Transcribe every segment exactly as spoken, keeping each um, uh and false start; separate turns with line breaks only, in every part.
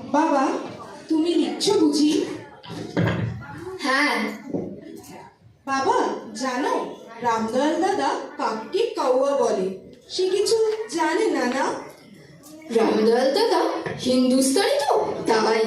বাবা, তুমি লিখছো বুঝি?
হ্যাঁ।
বাবা, জানো রামদয়াল দাদা কাককে কাউয়া বলে? সে কিছু জানে না না?
রামদয়াল দাদা হিন্দুস্তানি তো, তাই।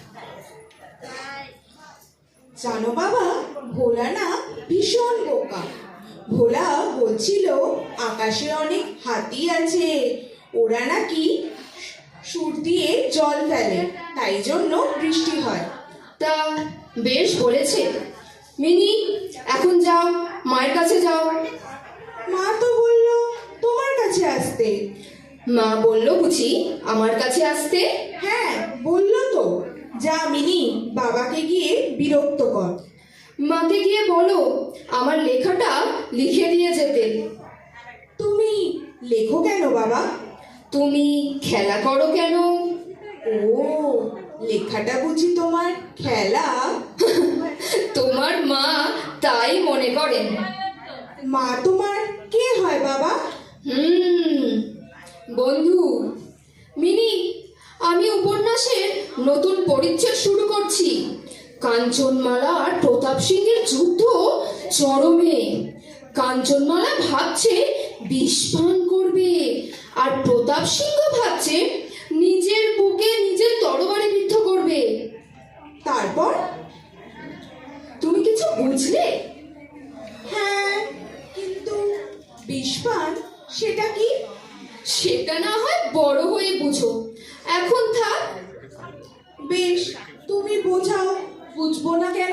জানো বাবা, ভোলা না ভীষণ বোকা। ভোলা বলছিল আকাশে অনেক হাতি আছে, ওরা নাকি সুর দিয়ে জল ফেলে, তাই জন্য বৃষ্টি হয়।
তা বেশ বলেছে। মিনি, এখন যাও, মায়ের কাছে যাও।
মা তো বললো তোমার কাছে আসতে।
মা বললো বুঝি আমার কাছে আসতে?
হ্যাঁ, বললো তো। যা মিনি, বাবাকে গিয়ে বিরক্ত কর।
মাকে গিয়ে বলো আমার লেখাটা লিখে দিয়ে যেতে।
তুমি লেখো কেন বাবা?
তুমি খেলা করো কেন?
ও, লেখাটা বুঝি তোমার খেলা?
তোমার মা তাই মনে করেন।
মা তোমার কে হয় বাবা?
হুম বন্ধু। মিনি, আমি উপন্যাসের নতুন পরিচ্ছেদ শুরু করছি। কাঞ্চনমালা আর প্রতাপ সিংহের যুদ্ধ চরমে। কাঞ্চনমালা ভাবছে বিষ পান করবে, আর প্রতাপ সিংহ ভাবছে নিজের বুকে নিজের তরবারি বিদ্ধ করবে।
তারপর?
তুমি কিছু বুঝলে?
হ্যাঁ, কিন্তু বিষপান সেটা কি?
সেটা না হয় বড় হয়ে বুঝো, এখন থাক।
বেশ, তুমি বোঝাও, বুঝবো না কেন?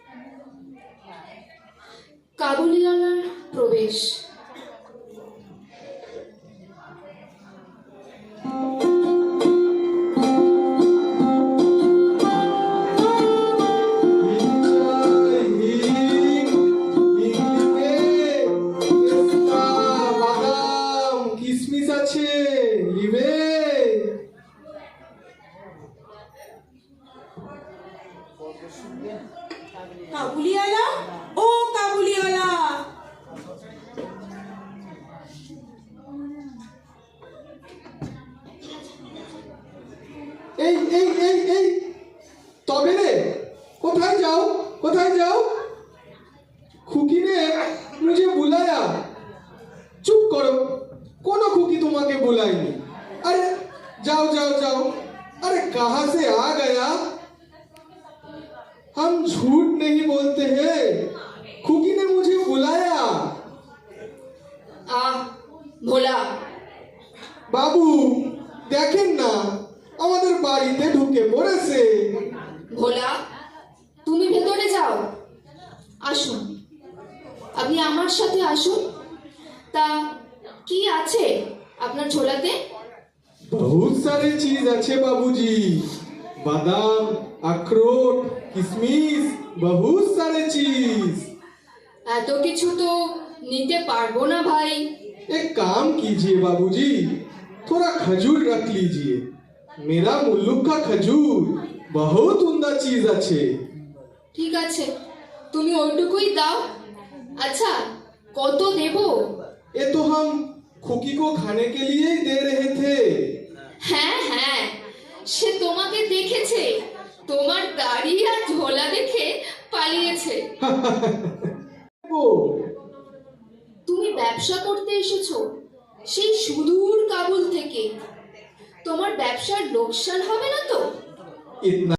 কাবুলিওয়ালার প্রবেশ।
কিসমিস আছে, নিবে?
কাবুলিওয়ালা, ও কাবুলিওয়ালা!
এই এই এই এই তবে রে, কোথায় যাও, কোথায় যাও? খুকি ने मुझे बुलाया। चुप करो, कोनो खुकी तुम्हारे बुलाएंगे। अरे जाओ जाओ जाओ। अरे कहाँ से आ गया? हम झूठ नहीं बोलते हैं, खुकी ने मुझे बुलाया।
आ ভোলা।
বাবু দেখেন না, আমাদের বাড়িতে ঢুকে পড়েছে।
ভোলা, তুমি ভেতরে যাও। আসুন, আপনি আমার সাথে আসুন। তা কি আছে আপনার ঝোলাতে?
बहुत सारे चीज अच्छे बाबूजी, बादाम, अखरोट, किशमिश, बहुत सारे चीज।
এত কিছু তো নিতে পারবো না ভাই।
एक काम कीजिए बाबूजी, थोड़ा खजूर रख लीजिए। मेरा मुल्लुक का खजूर बहुत उम्दा चीज अच्छे।
ঠিক আছে, তুমি ওইটুকুই দাও। আচ্ছা, কত দেব?
ये तो हम खुकी को खाने के लिए ही दे रहे थे।
হ্যাঁ হ্যাঁ, সে তোমাকে দেখেছে, তোমার দাড়ি আর ঝোলা দেখে পালিয়েছে।
वो
তুমি ব্যবসা করতে এসেছো সেই সুদূর কাবুল থেকে। তোমার ব্যবসার লোকসান হবে না তো?
इतना